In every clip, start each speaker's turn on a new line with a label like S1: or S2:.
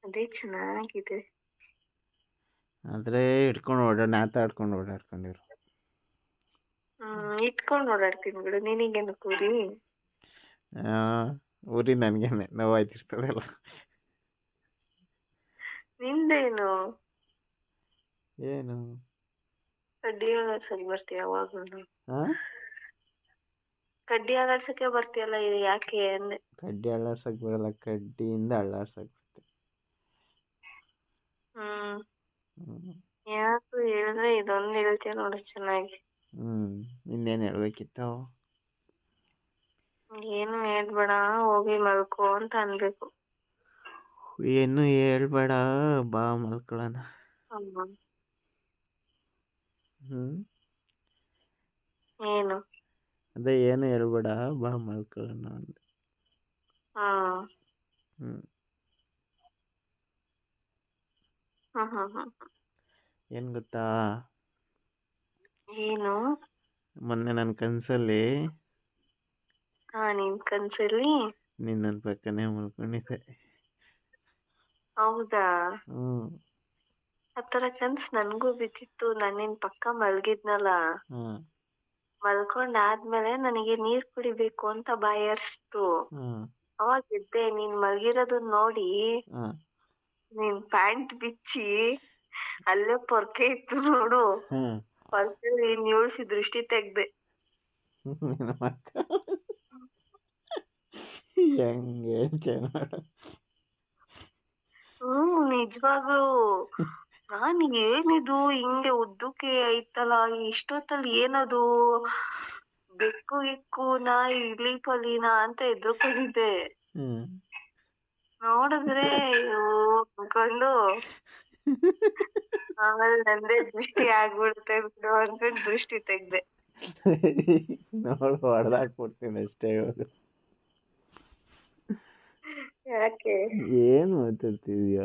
S1: ಅದೇ ಚೆನ್ನಾಗಿದೆ.
S2: ಆದ್ರೆ ಹಿಡ್ಕೊಂಡು ನೇತಾಡ್ಕೊಂಡಿರು.
S1: ಇಟ್ಕೊಂಡು ಓಡಾಡ್ತೀನಿ ಬಿಡು, ನಿನಗೇನು ಕೂರಿ?
S2: ಊರಿ ನನ್ಗೇನೆ ನೋವಾಯ್ತಿರ್ತದಲ್ಲ.
S1: ನಿಂದೇನು?
S2: ಏನು
S1: ಕಡ್ಡಿ ಆಗಾಡ್ಸಕ್ ಬರ್ತೀಯ ಯಾವಾಗ್ಲೂ?
S2: ಆ
S1: ಕಡ್ಡಿ ಆಗಾಡ್ಸಕ್ಕೆ ಬರ್ತೀಯಲ್ಲ, ಇದು ಯಾಕೆ ಅಂದೆ.
S2: ಕಡ್ಡಿ ಅಳ್ಳಾಡ್ಸಕ್ ಬರಲ್ಲ, ಕಡ್ಡಿಯಿಂದ ಅಳ್ಳಾಡ್ಸಕ್ ಬರುತ್ತೆ.
S1: ಯಾಕು ಹೇಳಿದ್ರೆ ಇದೊಂದು ಹೇಳ್ತೀಯ ನೋಡು ಚೆನ್ನಾಗಿ.
S2: ಇನ್ನೇನು ಹೇಳ್ಬೇಕಿತ್ತು?
S1: ಏನು ಹೇಳ್ಬೇಡ, ಹೋಗಿ ಮಲ್ಕೋ ಅಂತ ಅನ್ಬೇಕು.
S2: ಏನು ಹೇಳ್ಬೇಡ, ಬಾ ಮಲ್ಕೊಳ್ಳೋಣ.
S1: ಏನು?
S2: ಅದೇ ಏನು ಹೇಳ್ಬೇಡ, ಬಾ ಮಲ್ಕೊಳ್ಳೋಣ ಅಂದೆ. ಏನ್ ಗೊತ್ತಾ?
S1: ಏನು?
S2: ಮೊನ್ನೆ ನನ್ನ ಕನ್ಸಲ್ಲಿ
S1: ನಿನ್ ಕನ್ಸಲ್ಲಿ
S2: ನೀನ್ ನನ್ನ ಪಕ್ಕನೇ ಮಲ್ಕೊಂಡಿದ್ದೆ.
S1: ಹೌದಾ? ಆ ತರ ಕನ್ಸ್ ನನ್ಗೂ ಬಿದ್ದಿತ್ತು. ನಿನ್ ಪಕ್ಕ ಮಲ್ಗಿದ್ನಲ್ಲ, ಮಲ್ಕೊಂಡಾದ್ಮೇಲೆ ನನಗೆ ನೀರ್ ಕುಡಿಬೇಕು ಅಂತ ಬಾಯರ್ಸ್ತು. ಅವಾಗ ಎದ್ದೆ, ನೀನ್ ಮಲ್ಗಿರೋದನ್ನ ನೋಡಿ ನಿನ್ ಪ್ಯಾಂಟ್ ಬಿಚ್ಚಿ ಅಲ್ಲೇ ಪೊರ್ಕೆ ಇತ್ತು ನೋಡು, ಪೊರ್ಕೆಲಿ ನೀಳ್ಸಿ ದೃಷ್ಟಿ ತೆಗ್ದೆ.
S2: ಹೆಂಗೆ
S1: ನಿಜವಾಗ್ಲು ನಾನ್ ಏನಿದು ಹಿಂಗೆ ಉದ್ದಕ್ಕೆ ಐತಲ್ಲ, ಇಷ್ಟೊತ್ತಲ್ಲಿ ಏನದು ಬೆಕ್ಕು ಗಿಕ್ಕು ನಾಯಿ ಇಲಿ ಪಲಿನಾ ಅಂತ ಎದ್ರುಕೊಂಡಿದ್ದೆ. ನೋಡಿದ್ರೆ ಅನ್ಕೊಂಡು ಆಮೇಲೆ ನಂದೇ ದೃಷ್ಟಿ ಆಗ್ಬಿಡುತ್ತೆ ಬಿಡು ಅನ್ಕೊಂಡು ದೃಷ್ಟಿ ತೆಗ್ದೆ.
S2: ನೋಡು, ಹೊಡೆದಾಕ್ಬಿಡ್ತೀನಿ ಅಷ್ಟೇ. ಇವಾಗ
S1: ಯಾಕೆ?
S2: ಏನ್ ಮಾತಾಡ್ತಿದ್ಯಾ?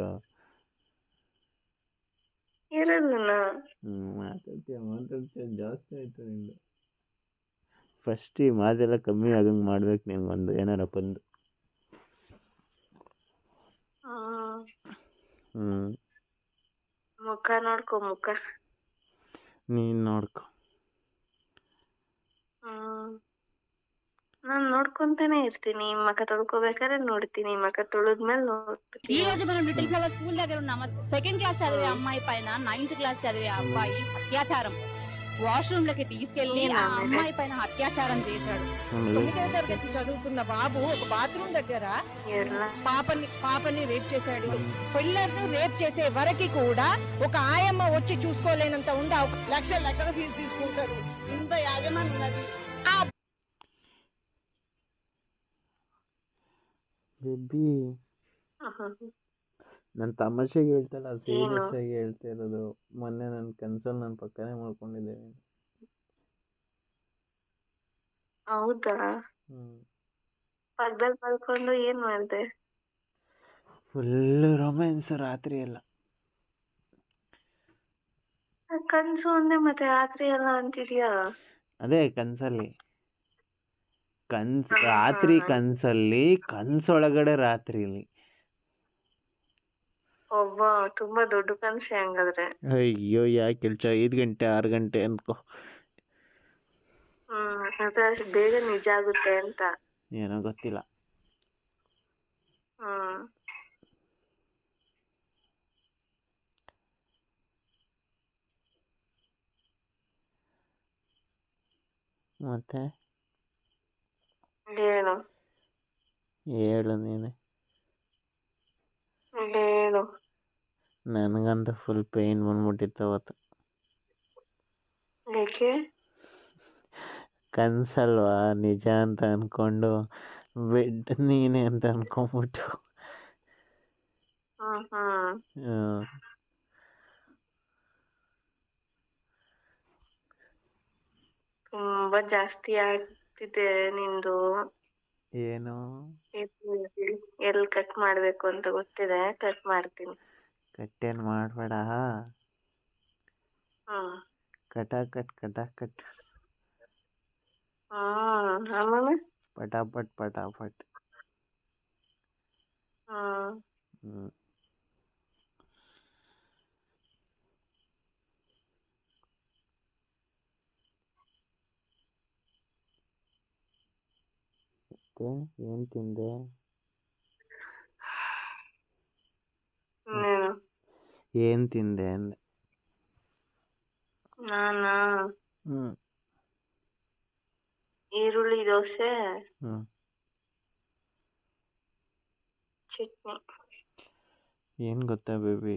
S1: ಇರೋದನ್ನ
S2: ಮಾತಾಡ್ತೀಯ ಜಾಸ್ತಿ ಆಯ್ತು ನಿಂದು. ಫಸ್ಟ್ ಈ ಮಾತೆಲ್ಲ ಕಮ್ಮಿ ಆಗಂಗ್ ಮಾಡ್ಬೇಕು ನಿನ್ಗೊಂದು ಏನಾರ ಬಂದು.
S1: ಮುಖ ನೋಡ್ಕೊ, ಮುಖ
S2: ನೀನ್ ನೋಡ್ಕೊ.
S1: ನಾನ್ ನೋಡ್ಕೊಂತಾನೆ ಇರ್ತೀನಿ. ಮಖ ತೊಳ್ಕೊಬೇಕಾದ್ರೆ ನೋಡ್ತೀನಿ, మఖ ತೊಳೆದ್ಮೇಲೆ ನೋಡ್ತೀನಿ.
S3: ఈ రోజు మనం లిటిల్ ఫ్లవర్ స్కూల్ దగ్గర ఉన్నాము. సెకండ్ క్లాస్ చదివే అమ్మాయి పైన 9th క్లాస్ చదివే అబ్బాయి అత్యాచారం, వాష్రూమ్ లకి తీసుకెళ్లి ఆ అమ్మాయి పైన అత్యాచారం చేశాడు. 9వ తరగతి చదువుకున్న బాబు ఒక బాత్రూమ్ దగ్గర పాపని రేప్ చేశాడు. పిల్లర్ను రేప్ చేసే వరకు కూడా ఒక ఆయమ్మ వచ్చి చూసుకోలేనంత ఉంది. లక్షల ఫీజు తీసుకుంటారు. ఇంత యాజమాన్యం ఉన్నది.
S2: ಬೇಬಿ, ನಾನು ತಮಾಷೆಗೆ ಹೇಳ್ತಲ್ಲ, ಸೀರಿಯಸ್ ಆಗಿ ಹೇಳ್ತಾ ಇರೋದು. ಮೊನ್ನೆ ನನ್ನ ಕನ್ಸಲ್ಲಿ ನನ್ನ ಪಕ್ಕನೇ ಮಾಡ್ಕೊಂಡಿದ್ದೆ.
S1: ಹೌದಾ? ಪಕ್ಕದಲ್ಲಿ ಮಲ್ಕೊಂಡು ಏನ್ ಮಾಡ್ದೆ?
S2: ಫುಲ್ ರೊಮ್ಯಾನ್ಸ್ ರಾತ್ರಿ ಎಲ್ಲ.
S1: ಕನ್ಸು ಅಂದೆ ಮತ್ತೆ ರಾತ್ರಿ ಎಲ್ಲ ಅಂತಿದ್ಯಾ?
S2: ಅದೇ ಕನ್ಸಲ್ಲಿ, ರಾತ್ರಿ ಕನ್ಸಲ್ಲಿ, ಕನ್ಸೊಳಗಡೆ ರಾತ್ರಿಲಿ.
S1: ಒಬ್ಬ ತುಂಬಾ ದೊಡ್ಡ ಕನ್ಸೆ ಹಂಗಾದ್ರೆ.
S2: ಅಯ್ಯೋ, ಯಾಕೆ ಹೇಳ್ಚ 5 ಗಂಟೆ 6 ಗಂಟೆ ಅನ್ಕೋ.
S1: ಅಷ್ಟು ಬೇಗ ನಿಜ ಆಗುತ್ತೆ ಅಂತ
S2: ಏನೋ ಗೊತ್ತಿಲ್ಲ. ಮತ್ತೆ ಹೇಳು ನೀನೆ. ನನಗಂತ ಫುಲ್ ಪೇನ್ ಬಂದ್ಬಿಟ್ಟಿತ್ತು ಅವತ್ತು. ಕನ್ಸಲ್ವಾ ನಿಜ ಅಂತ ಅನ್ಕೊಂಡು ಬೆಡ್ ನೀನೆ ಅಂತ ಅನ್ಕೊಂಡ್ಬಿಟ್ಟು
S1: ತುಂಬಾ ಜಾಸ್ತಿ ಆಗ್ತಿದೆ ನಿಂದು.
S2: ಏನು?
S1: ಎಲ್ಲಿ ಕಟ್ ಮಾಡ್ಬೇಕು ಅಂತ ಗೊತ್ತಿದೆ, ಕಟ್ ಮಾಡ್ತೀನಿ.
S2: ಕಟ್ಟೇನ್ ಮಾಡ್ಬೇಡ. ಕಟ್
S1: ಆಮೇಲೆ
S2: ಪಟಾಪಟ್. ಮತ್ತೆ ಏನ್ ತಿಂದೆ?
S1: ನೀನು
S2: ಏನ್ ತಿಂದೆ ಅಂದೆ.
S1: ನಾನಾ
S2: ಹ್ಮ್
S1: ಈರುಳ್ಳಿ ದೋಸೆ
S2: ಹ್ಮ್
S1: ಚಟ್ನಿ.
S2: ಏನ್ ಗೊತ್ತಾ ಬೇಬಿ,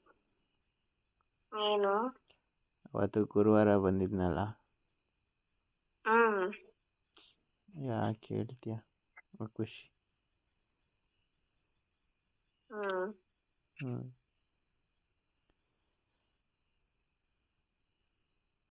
S1: ಏನು?
S2: ಅವತ್ತು ಗುರುವಾರ ಬಂದಿದ್ನಲ್ಲ,
S1: ಹ್ಮ್
S2: ಯಾಕೆ ಹೇಳ್ತೀಯ ಖುಷಿ.
S1: ಹ್ಮ್
S2: ಹ್ಮ್